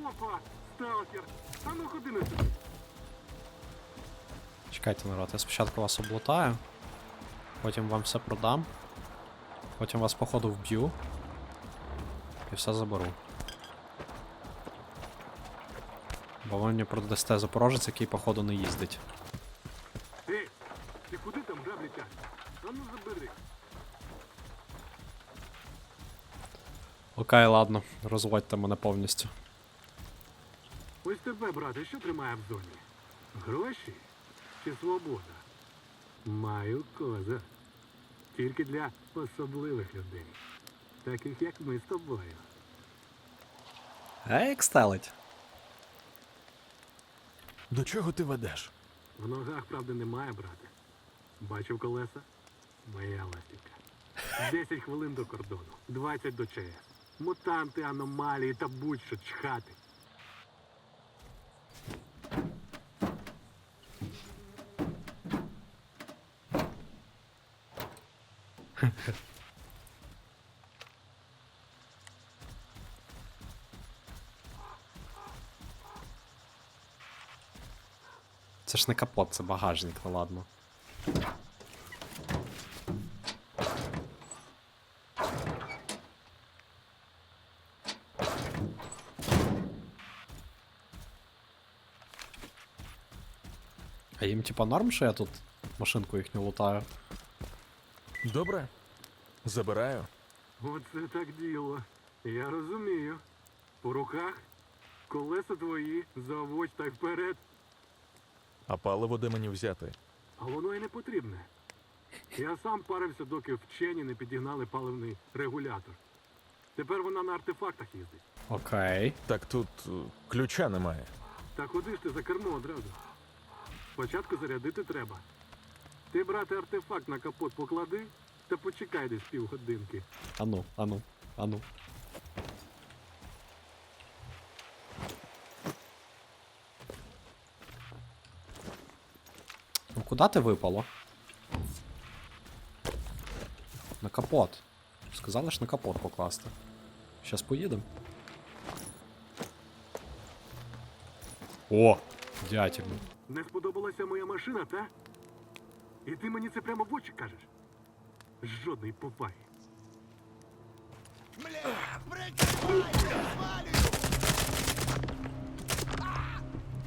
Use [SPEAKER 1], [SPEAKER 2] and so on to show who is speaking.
[SPEAKER 1] Опа, сталкер. А ну ходи на сюди.
[SPEAKER 2] Чекайте, народ, я спочатку вас облутаю, потім вам все продам, потім вас походу вб'ю і все заберу. Бо ви мені продасте запорожець, який походу не їздить.
[SPEAKER 1] Ей, ти куди там граблі тягнеш? А ну забери.
[SPEAKER 2] Окей, ладно, розводьте мене повністю.
[SPEAKER 1] Ось тебе, брате, що тримає в зоні? Гроші чи свобода? Маю козир. Тільки для особливих людей. Таких, як ми з тобою.
[SPEAKER 2] Як стелить?
[SPEAKER 3] До чого ти ведеш?
[SPEAKER 1] В ногах, правда, немає, брате. Бачив колеса? Моя ластівка. 10 хвилин до кордону, 20 до ЧС. Мутанти, аномалії та будь-що чхати.
[SPEAKER 2] Це ж не капот, це багажник, ну ладно. А їм типа норм, що я тут машинку їхню лутаю?
[SPEAKER 3] Добре. Забираю.
[SPEAKER 1] Оце так діло. Я розумію. По руках колеса твої, заводь так вперед.
[SPEAKER 3] А паливо де мені взяти?
[SPEAKER 1] А воно і не потрібне. Я сам парився, доки вчені не підігнали паливний регулятор. Тепер вона на артефактах їздить.
[SPEAKER 2] Окей.
[SPEAKER 3] Так тут ключа немає.
[SPEAKER 1] Та куди ж ти за кермо одразу? Спочатку зарядити треба. Ти, брате, артефакт на капот поклади та почекай десь півгодинки.
[SPEAKER 2] Ану, ану, ану. Ну куди ти випало? На капот. Сказали ж на капот покласти. Щас поїдемо. О! Дятел.
[SPEAKER 1] Не сподобалася моя машина, та? І ти мені це прямо в очі кажеш? Жодної поваги.